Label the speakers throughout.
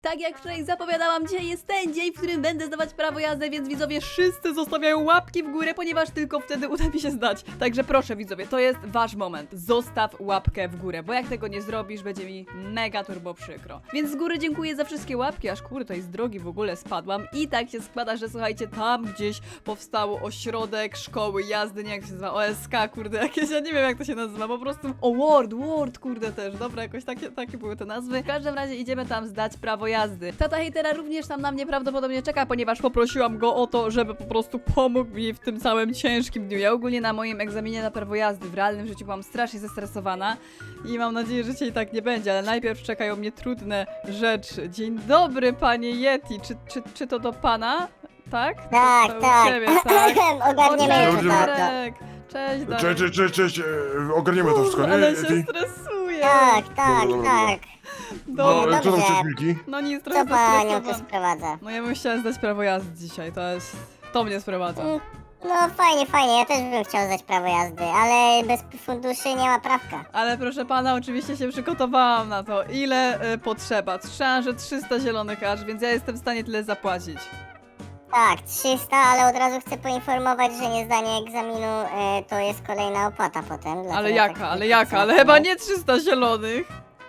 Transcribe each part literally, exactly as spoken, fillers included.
Speaker 1: Tak jak wczoraj zapowiadałam, dzisiaj jest ten dzień, w którym będę zdawać prawo jazdy, więc widzowie wszyscy zostawiają łapki w górę, ponieważ tylko wtedy uda mi się zdać. Także proszę widzowie, to jest wasz moment. Zostaw łapkę w górę, bo jak tego nie zrobisz, będzie mi mega turbo przykro. Więc z góry dziękuję za wszystkie łapki, aż kurde, to z drogi w ogóle spadłam. I tak się składa, że słuchajcie, tam gdzieś powstało ośrodek szkoły jazdy, nie jak się nazywa, O S K, kurde, jakieś, ja nie wiem jak to się nazywa, po prostu o Word, Word, kurde też, dobra, jakoś takie, takie były te nazwy. W każdym razie idziemy tam zdać prawo jazdy. Tata hejtera również tam na mnie prawdopodobnie czeka, ponieważ poprosiłam go o to, żeby po prostu pomógł mi w tym całym ciężkim dniu. Ja ogólnie na moim egzaminie na prawo jazdy w realnym życiu byłam strasznie zestresowana i mam nadzieję, że dzisiaj tak nie będzie, ale najpierw czekają mnie trudne rzeczy. Dzień dobry, panie Yeti, czy, czy, czy to do pana? Tak?
Speaker 2: Tak,
Speaker 1: to, to
Speaker 2: tak.
Speaker 1: u ciebie, tak?
Speaker 2: Ogarniemy
Speaker 1: O,
Speaker 2: już
Speaker 1: cześć,
Speaker 2: to.
Speaker 1: Darek. Cześć, Darek.
Speaker 3: Cześć, cześć, cześć, cześć, e, ogarniemy to wszystko, nie?
Speaker 1: Ale się
Speaker 3: Ty?
Speaker 1: stresuję.
Speaker 2: Tak, tak,
Speaker 3: Dobra, dobra,
Speaker 2: tak.
Speaker 3: No,
Speaker 1: Dobra.
Speaker 3: co tam
Speaker 2: dobrze.
Speaker 3: chcesz, Milki?
Speaker 1: No nic,
Speaker 2: Co
Speaker 1: trochę
Speaker 2: panią tu
Speaker 1: zestresowana.
Speaker 2: sprowadza?
Speaker 1: No ja bym chciała zdać prawo jazdy dzisiaj, to jest... To mnie sprowadza.
Speaker 2: Mm, No fajnie, fajnie, ja też bym chciał zdać prawo jazdy, ale bez funduszy nie ma prawka.
Speaker 1: Ale proszę pana, oczywiście się przygotowałam na to. Ile y, potrzeba? Słyszałam, że trzysta zielonych aż, więc ja jestem w stanie tyle zapłacić.
Speaker 2: Tak, trzysta, ale od razu chcę poinformować, że niezdanie egzaminu e, to jest kolejna opłata potem.
Speaker 1: Ale
Speaker 2: dlatego
Speaker 1: jaka,
Speaker 2: tak
Speaker 1: ale jaka? Ale chyba nie trzysta zielonych.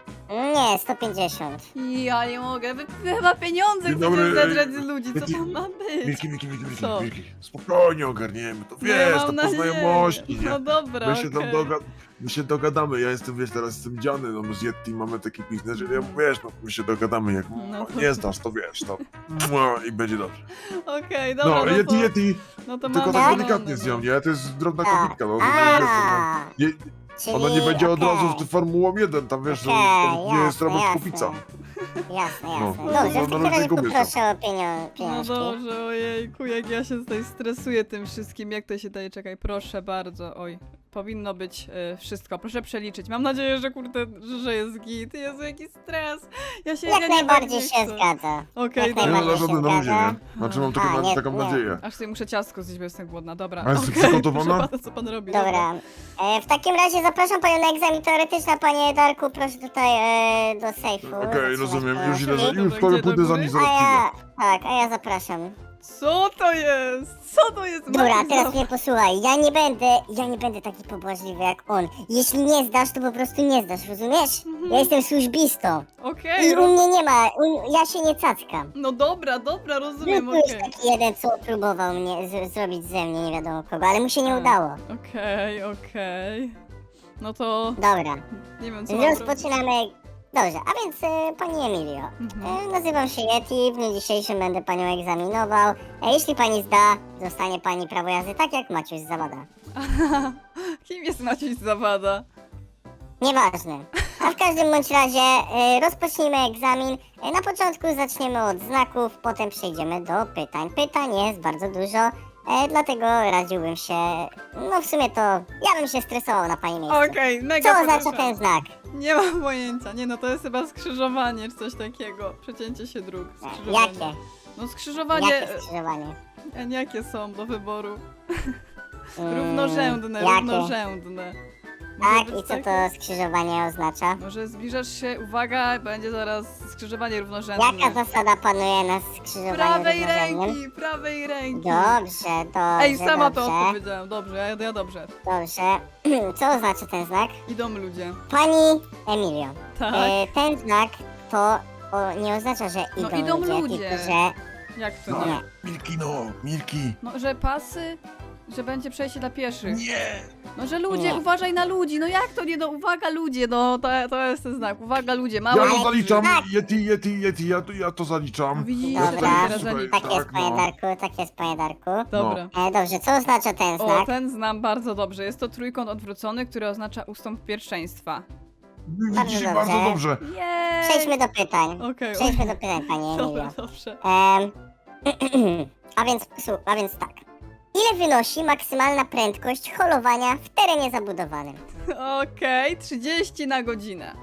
Speaker 2: Nie, sto pięćdziesiąt.
Speaker 1: Ja nie mogę, wy, wy chyba pieniądze
Speaker 3: Dzień
Speaker 1: chcecie
Speaker 3: dobry,
Speaker 1: zedrać z ludzi, co
Speaker 3: Milki,
Speaker 1: tam ma być?
Speaker 3: Milki, Milki, Milki, Milki,
Speaker 1: Co?
Speaker 3: Milki. Spokojnie ogarniemy, to
Speaker 1: No ja
Speaker 3: wiesz,
Speaker 1: mam
Speaker 3: to po
Speaker 1: nadzieję.
Speaker 3: znajomości, nie?
Speaker 1: No dobra,
Speaker 3: My się tam
Speaker 1: okej.
Speaker 3: doga my się dogadamy, ja jestem, wiesz, teraz jestem dziany, no my z Yeti mamy taki biznes, że ja, wiesz, no my się dogadamy, jak
Speaker 1: No to-
Speaker 3: nie znasz, to wiesz, to mua, i będzie dobrze.
Speaker 1: Okej, dobra,
Speaker 3: No,
Speaker 1: no
Speaker 3: Yeti,
Speaker 1: to,
Speaker 3: Yeti,
Speaker 1: no to
Speaker 3: tylko
Speaker 1: mam
Speaker 3: tak
Speaker 1: zielony,
Speaker 3: delikatnie
Speaker 1: no.
Speaker 3: z nią, nie? To jest drobna
Speaker 2: Tak.
Speaker 3: kobitka, no, to
Speaker 2: A,
Speaker 3: wiesz, no, nie,
Speaker 2: czyli
Speaker 3: ona nie będzie od razu
Speaker 2: okej.
Speaker 3: w Formułą jeden, tam wiesz, że
Speaker 2: Okej,
Speaker 3: to nie jest
Speaker 2: jasne,
Speaker 3: Robert
Speaker 2: jasne.
Speaker 3: Kubica.
Speaker 2: Jasne,
Speaker 3: No,
Speaker 2: jasne.
Speaker 3: no,
Speaker 2: Dobrze,
Speaker 3: no,
Speaker 2: w
Speaker 3: no,
Speaker 2: takim razie
Speaker 3: no, kobieta.
Speaker 2: poproszę o pienio
Speaker 1: No
Speaker 2: pieniążki.
Speaker 1: dobrze, ojejku, jak ja się tutaj stresuję tym wszystkim, jak to się daje, czekaj, proszę bardzo, oj, powinno być y, wszystko, proszę przeliczyć, mam nadzieję, że kurde, że, że jest git, Jezu, jaki stres, ja się, ja
Speaker 2: Jak
Speaker 1: nie
Speaker 2: najbardziej
Speaker 1: nie
Speaker 2: się
Speaker 1: chcę.
Speaker 2: zgadza.
Speaker 1: Okej,
Speaker 2: Jak
Speaker 3: Nie
Speaker 1: dobra,
Speaker 3: no,
Speaker 2: najbardziej
Speaker 3: na żadne
Speaker 2: się
Speaker 3: na ludzie,
Speaker 2: zgadza.
Speaker 3: nie? Znaczy mam taką,
Speaker 2: A, nie,
Speaker 3: taką
Speaker 2: nie.
Speaker 3: nadzieję.
Speaker 1: aż sobie muszę ciastko zjeść, bo jestem głodna, dobra,
Speaker 3: A jesteś
Speaker 1: okej,
Speaker 3: przygotowana?
Speaker 1: proszę pana, co pan robi,
Speaker 2: Dobra. E, w takim razie zapraszam panią na egzamin teoretyczny, panie Darku, proszę tutaj e, do sejfu.
Speaker 3: Okej,
Speaker 2: zatrzymać
Speaker 3: rozumiem,
Speaker 2: pana.
Speaker 3: już idę, za,
Speaker 1: Dobra,
Speaker 3: już
Speaker 1: gdzie
Speaker 3: powiem,
Speaker 1: do
Speaker 3: pójdę za
Speaker 1: góry?
Speaker 3: nim
Speaker 2: A
Speaker 3: zaraz
Speaker 2: ja,
Speaker 3: przyjdę.
Speaker 2: tak, a ja zapraszam.
Speaker 1: Co to jest, co to jest,
Speaker 2: Dobra,
Speaker 1: Maciej,
Speaker 2: teraz
Speaker 1: za-
Speaker 2: mnie posłuchaj, ja nie będę, ja nie będę taki pobłażliwy jak on. Jeśli nie zdasz, to po prostu nie zdasz, rozumiesz? Ja jestem służbistą
Speaker 1: okej,
Speaker 2: i
Speaker 1: ro-
Speaker 2: u mnie nie ma, u, ja się nie cackam.
Speaker 1: no dobra, dobra,
Speaker 2: Był
Speaker 1: rozumiem,
Speaker 2: tu już
Speaker 1: okej.
Speaker 2: taki jeden, co próbował mnie z, zrobić ze mnie nie wiadomo kogo, ale mu się nie
Speaker 1: A.
Speaker 2: udało.
Speaker 1: Okej, okej. No to
Speaker 2: Dobra,
Speaker 1: nie wiem co mam robić.
Speaker 2: rozpoczynamy. Dobrze, a więc e, pani Emilio,
Speaker 1: Mhm.
Speaker 2: e, nazywam się Yeti, w dniu dzisiejszym będę panią egzaminował. E, jeśli pani zda, zostanie pani prawo jazdy tak jak Maciuś z Zawada.
Speaker 1: Kim jest Maciej Zawada?
Speaker 2: Nieważne. A w każdym bądź razie e, rozpocznijmy egzamin. E, na początku zaczniemy od znaków, potem przejdziemy do pytań. Pytań jest bardzo dużo, e, dlatego radziłbym się, no w sumie to ja bym się stresował na pani miejscu.
Speaker 1: Okej, mega
Speaker 2: Co oznacza
Speaker 1: poproszę.
Speaker 2: ten znak?
Speaker 1: Nie mam pojęcia, nie no to jest chyba skrzyżowanie czy coś takiego. Przecięcie się dróg.
Speaker 2: E,
Speaker 1: Skrzyżowanie.
Speaker 2: jakie?
Speaker 1: No skrzyżowanie.
Speaker 2: Jakie skrzyżowanie?
Speaker 1: e, Jakie są do wyboru?
Speaker 2: Mm,
Speaker 1: Równorzędne,
Speaker 2: jakie?
Speaker 1: równorzędne. Może
Speaker 2: Tak,
Speaker 1: być
Speaker 2: i co
Speaker 1: takie-
Speaker 2: to skrzyżowanie oznacza?
Speaker 1: Może zbliżasz się, uwaga, będzie zaraz skrzyżowanie równorzędne.
Speaker 2: Jaka zasada panuje na skrzyżowaniu
Speaker 1: Prawej
Speaker 2: równorzędnym?
Speaker 1: ręki, prawej ręki.
Speaker 2: Dobrze, dobrze,
Speaker 1: Ej, sama
Speaker 2: dobrze,
Speaker 1: to odpowiedziałam, dobrze, ja, ja dobrze.
Speaker 2: dobrze. Co oznacza ten znak?
Speaker 1: Idą ludzie.
Speaker 2: Pani Emilio,
Speaker 1: Tak,
Speaker 2: e, ten znak to o, nie oznacza, że
Speaker 1: No,
Speaker 2: idą,
Speaker 1: idą
Speaker 2: ludzie,
Speaker 1: ludzie.
Speaker 2: tylko że...
Speaker 1: jak to
Speaker 3: No,
Speaker 1: nie?
Speaker 3: Milki, no, Milki.
Speaker 1: No, że pasy, że będzie przejście dla pieszych.
Speaker 3: Nie!
Speaker 1: No, że ludzie,
Speaker 2: Nie.
Speaker 1: uważaj na ludzi, no jak to nie, no uwaga ludzie, no to, to jest ten znak, uwaga ludzie, mało
Speaker 3: Ja
Speaker 1: ludzi.
Speaker 3: to zaliczam,
Speaker 2: Tak.
Speaker 3: Yeti, Yeti, Yeti, ja to, ja to zaliczam.
Speaker 1: Widzisz,
Speaker 3: Ja
Speaker 1: to
Speaker 2: Dobra.
Speaker 3: tutaj,
Speaker 1: teraz
Speaker 3: słuchaj,
Speaker 1: zalicza.
Speaker 2: Tak jest,
Speaker 3: tak,
Speaker 2: panie
Speaker 3: no.
Speaker 2: Darku, tak jest, panie Darku.
Speaker 1: Dobra.
Speaker 2: E, dobrze, co oznacza ten
Speaker 1: O,
Speaker 2: znak?
Speaker 1: ten znam bardzo dobrze, jest to trójkąt odwrócony, który oznacza ustąp pierwszeństwa.
Speaker 3: Widzisz,
Speaker 2: Bardzo
Speaker 3: bardzo
Speaker 2: dobrze.
Speaker 3: dobrze.
Speaker 1: Jej!
Speaker 2: Przejdźmy do pytań.
Speaker 1: Okej,
Speaker 2: Przejdźmy do pytań, pani Emilio.
Speaker 1: dobra, dobrze.
Speaker 2: Em, a więc, słu- a więc tak. Ile wynosi maksymalna prędkość holowania w terenie zabudowanym?
Speaker 1: Okej, trzydzieści na godzinę.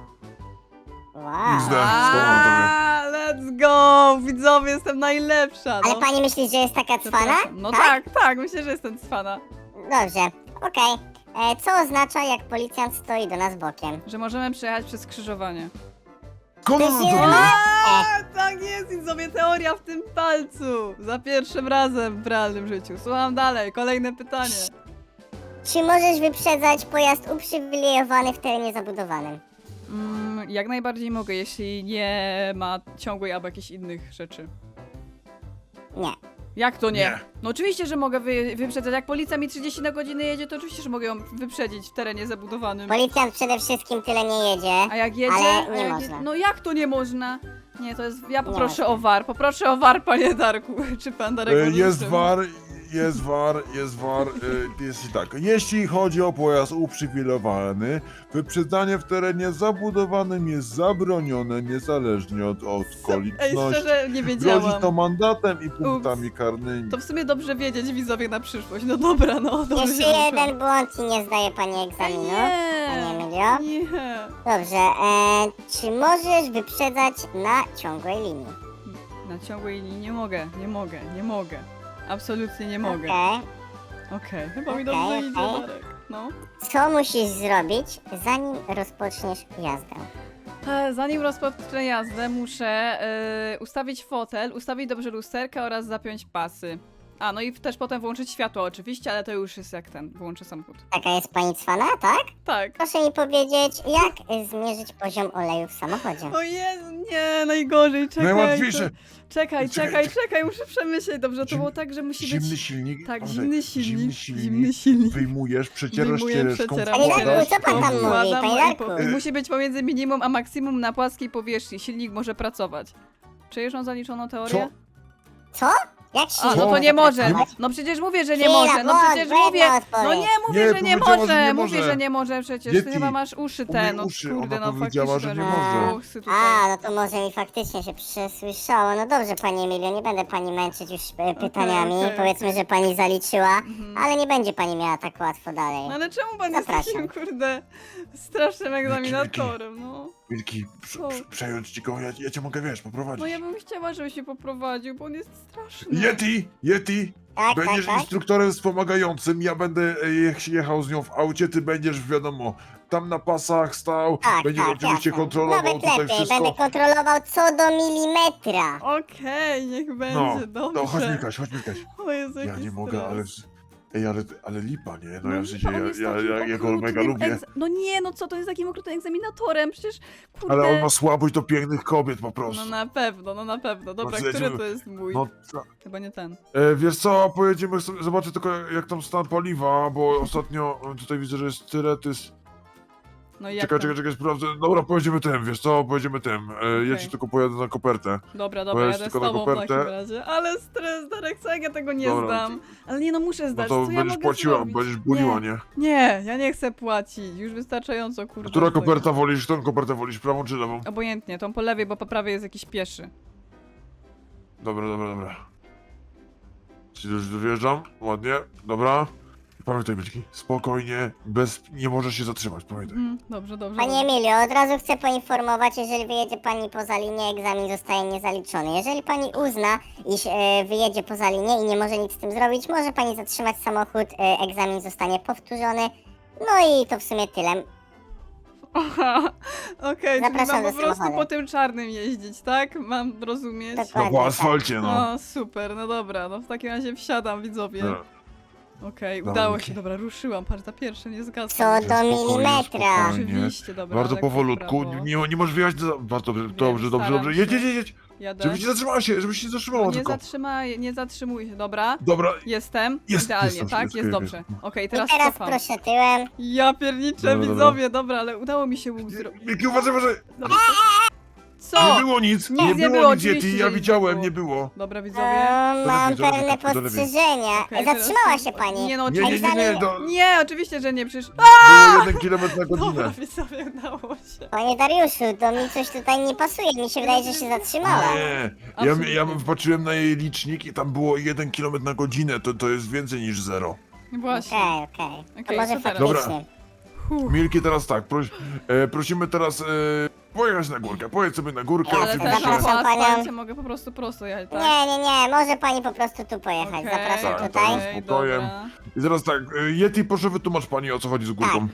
Speaker 2: Wow.
Speaker 3: Zde. Skłamam tobie.
Speaker 1: A, let's go! Widzowie, jestem najlepsza, no.
Speaker 2: Ale pani myśli, że jest taka cwana?
Speaker 1: Przepraszam. No tak, tak, myślę, że jestem cwana.
Speaker 2: Dobrze, okej. E, Co oznacza, jak policjant stoi do nas bokiem?
Speaker 1: Że możemy przejechać przez skrzyżowanie.
Speaker 3: kolor
Speaker 2: To
Speaker 3: to
Speaker 2: się
Speaker 3: zrobił.
Speaker 1: A, tak jest i sobie teoria w tym palcu. Za pierwszym razem w realnym życiu. Słucham dalej, kolejne pytanie.
Speaker 2: Czy możesz wyprzedzać pojazd uprzywilejowany w terenie zabudowanym?
Speaker 1: Mm, jak najbardziej mogę, jeśli nie ma ciągłej albo jakichś innych rzeczy.
Speaker 2: Nie.
Speaker 1: Jak to nie?
Speaker 3: Nie.
Speaker 1: No oczywiście, że mogę wy, wyprzedzać. Jak policja mi trzydzieści na godzinę jedzie, to oczywiście, że mogę ją wyprzedzić w terenie zabudowanym.
Speaker 2: Policjant przede wszystkim tyle nie jedzie.
Speaker 1: A jak jedzie?
Speaker 2: Ale
Speaker 1: A
Speaker 2: nie
Speaker 1: jak
Speaker 2: można.
Speaker 1: Je... No jak to nie można? Nie, to jest... Ja poproszę
Speaker 2: można.
Speaker 1: o war. Poproszę o war, panie Darku. Czy pan Darek
Speaker 3: E,
Speaker 1: może
Speaker 3: Jest
Speaker 1: jeszcze-
Speaker 3: war, jest war, jest war, e, jest i tak. Jeśli chodzi o pojazd uprzywilejowany, wyprzedzanie w terenie zabudowanym jest zabronione niezależnie od, od
Speaker 1: Ej,
Speaker 3: okoliczności.
Speaker 1: szczerze nie
Speaker 3: Grozi
Speaker 1: wiedziałam.
Speaker 3: to mandatem i punktami karnymi.
Speaker 1: To w sumie dobrze wiedzieć widzowie na przyszłość. No dobra, no dobrze.
Speaker 2: Jeszcze
Speaker 1: się
Speaker 2: jeden błąd i nie zdaje pani egzaminu. Panie
Speaker 1: Nie.
Speaker 2: Emilio.
Speaker 1: Nie.
Speaker 2: Dobrze, e, czy możesz wyprzedzać na ciągłej linii?
Speaker 1: Na ciągłej linii nie mogę, nie mogę, nie mogę. Absolutnie nie mogę.
Speaker 2: Okej.
Speaker 1: Okej, chyba mi
Speaker 2: Okej,
Speaker 1: dobrze
Speaker 2: okej.
Speaker 1: idzie, Darek. No.
Speaker 2: Co musisz zrobić, zanim rozpoczniesz jazdę?
Speaker 1: E, Zanim rozpocznę jazdę, muszę e, ustawić fotel, ustawić dobrze lusterkę oraz zapiąć pasy. A, no i też potem włączyć światło oczywiście, ale to już jest jak ten, wyłączę samochód.
Speaker 2: Taka jest pani cwana, tak?
Speaker 1: Tak.
Speaker 2: Proszę mi powiedzieć, jak zmierzyć poziom oleju w samochodzie?
Speaker 1: O Jezu, nie, najgorzej, czekaj.
Speaker 3: Najłatwiejsze.
Speaker 1: Czekaj,
Speaker 3: Czekaj,
Speaker 1: czekaj, czekaj, muszę przemyśleć. Dobrze, to
Speaker 3: Zim-
Speaker 1: było tak, że musi
Speaker 3: Zimny
Speaker 1: być...
Speaker 3: silnik.
Speaker 1: Tak,
Speaker 3: Andrzej,
Speaker 1: zimny silnik,
Speaker 3: Zimny silnik.
Speaker 1: zimny silnik.
Speaker 3: Wyjmujesz, przecierasz
Speaker 1: Wyjmuję,
Speaker 3: ściereczką,
Speaker 1: przecieram,
Speaker 2: Panie
Speaker 3: wkładasz.
Speaker 2: Darku, co pan tam mówi,
Speaker 1: wkładam,
Speaker 2: panie
Speaker 1: no i po-
Speaker 2: Darku?
Speaker 1: Musi być pomiędzy minimum a maksimum na płaskiej powierzchni. Silnik może pracować. Czy już mam zaliczoną teorię?
Speaker 2: Co? Jak się
Speaker 1: A, no
Speaker 3: Co?
Speaker 1: to nie może.
Speaker 3: Nie ma-
Speaker 1: No przecież mówię, że nie
Speaker 2: Chwila,
Speaker 1: może. No
Speaker 2: błąd,
Speaker 1: przecież
Speaker 2: błędna
Speaker 1: mówię.
Speaker 2: odpowiedź.
Speaker 1: No nie mówię,
Speaker 3: Nie,
Speaker 1: że nie
Speaker 3: powiedziała, że
Speaker 1: może.
Speaker 3: nie
Speaker 1: Mówię,
Speaker 3: może.
Speaker 1: że nie może przecież. Ty
Speaker 3: Yeti,
Speaker 1: chyba masz uszy te,
Speaker 3: umyj
Speaker 1: no
Speaker 3: uszy,
Speaker 1: kurde,
Speaker 3: ona
Speaker 1: no
Speaker 3: powiedziała,
Speaker 1: faktycznie.
Speaker 3: że nie
Speaker 2: może.
Speaker 1: Uch, sy tutaj.
Speaker 2: A, no to może mi faktycznie się przesłyszało. No dobrze, pani Emilio, nie będę pani męczyć już e, pytaniami.
Speaker 1: okej,
Speaker 2: Powiedzmy, że pani zaliczyła,
Speaker 1: Mhm.
Speaker 2: ale nie będzie pani miała tak łatwo dalej.
Speaker 1: No ale czemu pan jest
Speaker 2: Zapraszam.
Speaker 1: takim, kurde, strasznym egzaminatorem, no?
Speaker 3: Wilki, prze-
Speaker 1: Co?
Speaker 3: prze- przejąć ci go, ja, ja cię mogę, wiesz, poprowadzić.
Speaker 1: No ja bym chciała, żeby się poprowadził, bo on jest straszny.
Speaker 3: Yeti, Yeti,
Speaker 2: Tak, tak,
Speaker 3: będziesz
Speaker 2: tak.
Speaker 3: instruktorem wspomagającym, ja będę e, je- jechał z nią w aucie, ty będziesz, wiadomo, tam na pasach stał,
Speaker 2: Tak,
Speaker 3: będziesz
Speaker 2: tak,
Speaker 3: oczywiście
Speaker 2: jasne.
Speaker 3: kontrolował
Speaker 2: Nawet
Speaker 3: tutaj
Speaker 2: lepiej,
Speaker 3: wszystko.
Speaker 2: będę kontrolował co do milimetra.
Speaker 1: Okej, niech
Speaker 3: No,
Speaker 1: będzie, dobrze.
Speaker 3: no chodź Milkaś, chodź Milkaś.
Speaker 1: O Jezu,
Speaker 3: Ja
Speaker 1: jaki
Speaker 3: nie mogę,
Speaker 1: stres.
Speaker 3: ale... Ej, ale, ale lipa, nie? No, ja w sensie,
Speaker 1: on
Speaker 3: ja,
Speaker 1: jest
Speaker 3: ja,
Speaker 1: takim
Speaker 3: ja, ja go
Speaker 1: okrutnym
Speaker 3: mega lubię.
Speaker 1: egz- No nie, no co, to jest takim okrutnym egzaminatorem, przecież, kurde.
Speaker 3: Ale on ma słabość do pięknych kobiet po prostu.
Speaker 1: No na pewno, no na pewno. Dobra,
Speaker 3: No,
Speaker 1: który
Speaker 3: jedziemy-
Speaker 1: to jest mój?
Speaker 3: No, co?
Speaker 1: Chyba nie ten.
Speaker 3: E, wiesz co, pojedziemy sobie, zobaczę tylko jak tam stan paliwa, bo ostatnio e, tutaj widzę, że jest tyretys.
Speaker 1: No i jak
Speaker 3: Czekaj,
Speaker 1: tam?
Speaker 3: czekaj, czekaj, sprawdzę. Dobra, pojedziemy tym, wiesz co, pojedziemy tym. E, Ja
Speaker 1: Okej.
Speaker 3: ci tylko pojadę na kopertę.
Speaker 1: Dobra,
Speaker 3: Bo
Speaker 1: dobra,
Speaker 3: jest
Speaker 1: jadę z
Speaker 3: tylko na
Speaker 1: tobą w takim
Speaker 3: kopertę.
Speaker 1: razie. Ale stres, Darek, co jak ja tego nie
Speaker 3: Dobra,
Speaker 1: zdam? Ale nie, no muszę
Speaker 3: No
Speaker 1: zdać,
Speaker 3: to
Speaker 1: co ja
Speaker 3: będziesz
Speaker 1: mogę
Speaker 3: płaciła,
Speaker 1: zrobić?
Speaker 3: będziesz buliła, nie?
Speaker 1: Nie, ja nie chcę płacić, już wystarczająco, kurde.
Speaker 3: Która
Speaker 1: tego.
Speaker 3: koperta wolisz, którą kopertę wolisz, prawą czy lewą?
Speaker 1: Obojętnie, tą po lewej, bo po prawej jest jakiś pieszy.
Speaker 3: Dobra, dobra, dobra. Czyli już wyjeżdżam, ładnie, dobra. Pamiętaj, Byczki, spokojnie, bez... nie możesz się zatrzymać, pamiętaj.
Speaker 1: Mhm, dobrze, dobrze.
Speaker 2: Pani
Speaker 1: dobrze.
Speaker 2: Emilio, od razu chcę poinformować, jeżeli wyjedzie pani poza linię, egzamin zostaje niezaliczony. Jeżeli pani uzna, iż e, wyjedzie poza linię i nie może nic z tym zrobić, może pani zatrzymać samochód, e, egzamin zostanie powtórzony. No i to w sumie tyle.
Speaker 1: Aha, okej, czyli
Speaker 2: Zapraszam
Speaker 1: mam po
Speaker 2: do
Speaker 1: prostu
Speaker 2: samochodu.
Speaker 1: po tym czarnym jeździć, tak? Mam rozumieć?
Speaker 2: Dokładnie.
Speaker 3: No po asfalcie, no.
Speaker 1: O, super, no dobra, no w takim razie wsiadam, widzowie.
Speaker 3: Dobra.
Speaker 1: Okej,
Speaker 3: Dobra,
Speaker 1: udało
Speaker 3: Miki.
Speaker 1: się, dobra, ruszyłam, patrz, ta pierwsza nie zgasła.
Speaker 2: Co do
Speaker 3: Spokojnie,
Speaker 2: milimetra.
Speaker 3: spokojnie.
Speaker 1: Oczywiście, dobra.
Speaker 3: Bardzo
Speaker 1: lekko w
Speaker 3: powolutku,
Speaker 1: prawo.
Speaker 3: nie, nie możesz wyjechać za... Bardzo dobrze, dobrze, dobrze,
Speaker 1: staram
Speaker 3: dobrze.
Speaker 1: się.
Speaker 3: Jedź, jedź, jedź,
Speaker 1: Jadę.
Speaker 3: żebyś nie zatrzymała się, żebyś się nie zatrzymała
Speaker 1: nie
Speaker 3: tylko.
Speaker 1: zatrzymaj, nie zatrzymuj się, dobra.
Speaker 3: Dobra,
Speaker 1: Jestem,
Speaker 3: Jest,
Speaker 1: idealnie,
Speaker 3: jest,
Speaker 1: tak?
Speaker 3: jest,
Speaker 1: Jest,
Speaker 3: jest,
Speaker 1: dobrze.
Speaker 3: jest.
Speaker 1: Okej,
Speaker 2: I
Speaker 1: teraz
Speaker 2: teraz
Speaker 1: cofam.
Speaker 2: proszę tyłem.
Speaker 1: Ja pierniczę,
Speaker 3: Dobra, dobra.
Speaker 1: widzowie, dobra, ale udało mi się łuk zrobić.
Speaker 3: Miki, uważaj, uważaj.
Speaker 1: Dobra, co?
Speaker 3: Nie było nic,
Speaker 1: Nic
Speaker 3: nie,
Speaker 1: nie
Speaker 3: było
Speaker 1: było,
Speaker 3: nic,
Speaker 1: oczywiście,
Speaker 3: Yeti,
Speaker 1: że
Speaker 3: ja
Speaker 1: nic nie
Speaker 3: widziałem,
Speaker 1: było.
Speaker 3: nie było.
Speaker 1: Dobra,
Speaker 2: O,
Speaker 1: widzowie.
Speaker 2: mam
Speaker 3: lepiej,
Speaker 2: pewne
Speaker 3: lepiej, do lewej.
Speaker 2: postrzeżenia.
Speaker 1: Okej,
Speaker 2: Zatrzymała
Speaker 1: teraz-
Speaker 2: się pani.
Speaker 1: Nie no,
Speaker 3: Nie, nie, nie, nie,
Speaker 2: Egzamin-
Speaker 3: do,
Speaker 1: Nie, oczywiście, że nie, przecież...
Speaker 3: było jeden kilometr na
Speaker 1: Dobra,
Speaker 3: godzinę.
Speaker 1: widzowie, udało się.
Speaker 2: Panie Dariuszu, to mi coś tutaj nie pasuje. Mi się wydaje, że się zatrzymała.
Speaker 3: Nie, ja,
Speaker 1: Absolutnie.
Speaker 3: ja patrzyłem na jej licznik i tam było jeden kilometr na godzinę, to, to jest więcej niż zero.
Speaker 1: Właśnie.
Speaker 2: Okej, okej. To
Speaker 1: Okej,
Speaker 2: może
Speaker 1: co teraz?
Speaker 2: faktycznie.
Speaker 1: Huh.
Speaker 3: Milki, teraz tak, proś, e, prosimy teraz e, pojechać na górkę, pojedź sobie na górkę,
Speaker 1: Ale
Speaker 3: oczywiście.
Speaker 1: też po
Speaker 2: Zapraszam panią.
Speaker 1: asfalcie mogę po prostu prosto jechać, tak?
Speaker 2: Nie, nie, nie, może pani po prostu tu pojechać.
Speaker 1: Okej,
Speaker 2: Zapraszam
Speaker 3: Tak,
Speaker 2: tutaj.
Speaker 3: tak. spokojem.
Speaker 1: dobra.
Speaker 3: I teraz tak, e, Yeti, proszę wytłumacz pani, o co chodzi z górką.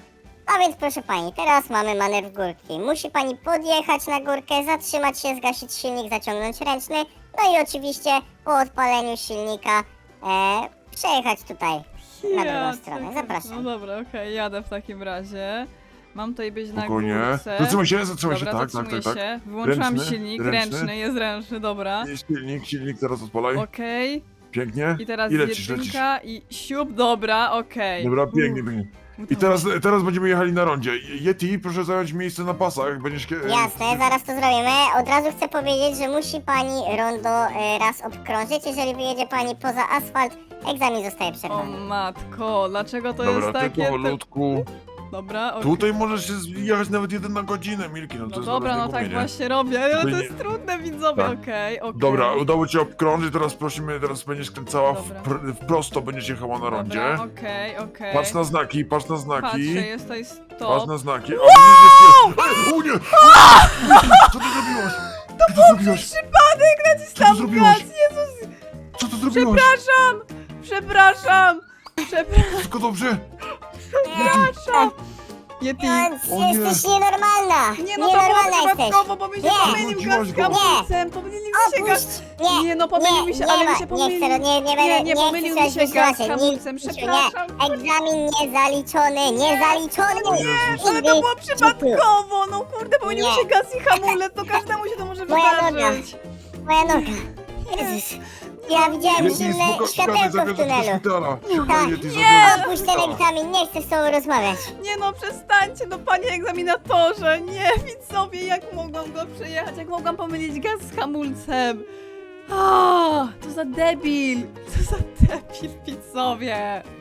Speaker 2: A więc proszę pani, teraz mamy manewr górki. Musi pani podjechać na górkę, zatrzymać się, zgasić silnik, zaciągnąć ręczny. No i oczywiście po odpaleniu silnika e, przejechać tutaj na drugą
Speaker 1: Ja
Speaker 2: stronę.
Speaker 1: cię-
Speaker 2: Zapraszam.
Speaker 1: No dobra, okej, jadę w takim razie. Mam tutaj być na
Speaker 3: Spokojnie.
Speaker 1: górce.
Speaker 3: Zatrzymaj się, zatrzymaj się,
Speaker 1: Dobra,
Speaker 3: tak, tak,
Speaker 1: zatrzymuję
Speaker 3: tak, tak.
Speaker 1: się. Wyłączyłam
Speaker 3: Ręczny,
Speaker 1: silnik,
Speaker 3: ręczny.
Speaker 1: ręczny, jest ręczny, dobra.
Speaker 3: Jest silnik, silnik, teraz odpalaj.
Speaker 1: Okej.
Speaker 3: Pięknie.
Speaker 1: I teraz
Speaker 3: I lecisz, lecisz.
Speaker 1: jedynka i siup, dobra, okej.
Speaker 3: Dobra, pięknie, pięknie. I teraz, teraz będziemy jechali na rondzie. Yeti, proszę zająć miejsce na pasach, będziesz... kie-
Speaker 2: Jasne, zaraz to zrobimy. Od razu chcę powiedzieć, że musi pani rondo e, raz obkrążyć. Jeżeli wyjedzie pani poza asfalt, egzamin zostaje
Speaker 1: O
Speaker 2: przerwany.
Speaker 1: matko, dlaczego to
Speaker 3: Dobra,
Speaker 1: jest takie...
Speaker 3: tylko powolutku.
Speaker 1: Dobra, okej.
Speaker 3: Tutaj możesz się jechać nawet jeden na godzinę, Milki, no to
Speaker 1: No
Speaker 3: jest
Speaker 1: dobra, no
Speaker 3: zaraz
Speaker 1: tak
Speaker 3: niegumienie.
Speaker 1: właśnie robię, ale to
Speaker 3: Tutaj
Speaker 1: jest
Speaker 3: nie-
Speaker 1: trudne, widzowie,
Speaker 3: Tak.
Speaker 1: okej, okej.
Speaker 3: Dobra, udało ci się obkrążyć, teraz prosimy, teraz będziesz kręcała w,
Speaker 1: Dobra.
Speaker 3: pr w prosto, będziesz jechała na rondzie.
Speaker 1: Dobra, okej, okej.
Speaker 3: Patrz na znaki, patrz na znaki.
Speaker 1: Patrzę, jest tutaj
Speaker 3: Patrz
Speaker 1: stop.
Speaker 3: na znaki. A widzisz, jest... Ej, o nie! Co ty zrobiłaś? To co ty zrobiłaś?
Speaker 1: Przypadek,
Speaker 3: Co ty
Speaker 1: nacisnąłem
Speaker 3: zrobiłaś?
Speaker 1: gaz, Jezus!
Speaker 3: Co ty zrobiłaś?
Speaker 1: Przepraszam! Przepraszam! Przepraszam!
Speaker 3: Wszystko dobrze?
Speaker 1: Przepraszam! Yeti!
Speaker 2: No,
Speaker 3: O nie.
Speaker 2: jesteś nienormalna!
Speaker 1: Nie no, to było
Speaker 2: Nienormalna jesteś!
Speaker 1: przypadkowo, bo mi się
Speaker 2: Nie.
Speaker 1: pomylił
Speaker 3: Wróciłaś
Speaker 1: gaz z
Speaker 3: go.
Speaker 1: hamulcem, pomylił mi się gaz...
Speaker 2: Opuść! Nie!
Speaker 1: Nie no, pomylił
Speaker 2: nie,
Speaker 1: mi się,
Speaker 2: nie
Speaker 1: ale
Speaker 2: ma,
Speaker 1: mi się pomylił.
Speaker 2: Nie chcę, nie, nie będę,
Speaker 1: Nie, nie
Speaker 2: nie
Speaker 1: pomylił
Speaker 2: chcę
Speaker 1: mi się
Speaker 2: słuchać
Speaker 1: gaz z
Speaker 2: wytłumaczeń.
Speaker 1: hamulcem,
Speaker 2: Nic-
Speaker 1: przepraszam.
Speaker 2: Nie, egzamin niezaliczony, niezaliczony!
Speaker 3: O Jezus.
Speaker 1: Ale to było przypadkowo, no kurde, pomylił mi
Speaker 2: Nie.
Speaker 1: się gaz i hamulec, to każdemu się to może
Speaker 2: Moja noga.
Speaker 1: wydarzyć.
Speaker 2: Moja noga! Jezus! Ja widziałem
Speaker 3: Yeti,
Speaker 2: zimne
Speaker 3: spoko-
Speaker 2: światełko w
Speaker 3: zabierz do
Speaker 2: tunelu!
Speaker 3: szpitala. Szybko,
Speaker 2: Tak.
Speaker 3: Yeti,
Speaker 1: Nie.
Speaker 3: zabierz do
Speaker 2: Opuść ten
Speaker 3: szpitala.
Speaker 2: egzamin, nie chcę z tobą rozmawiać!
Speaker 1: Nie no, przestańcie, no panie egzaminatorze, nie, widzowie, jak mogłam go przejechać, jak mogłam pomylić gaz z hamulcem. A, to za debil, co za debil, widzowie.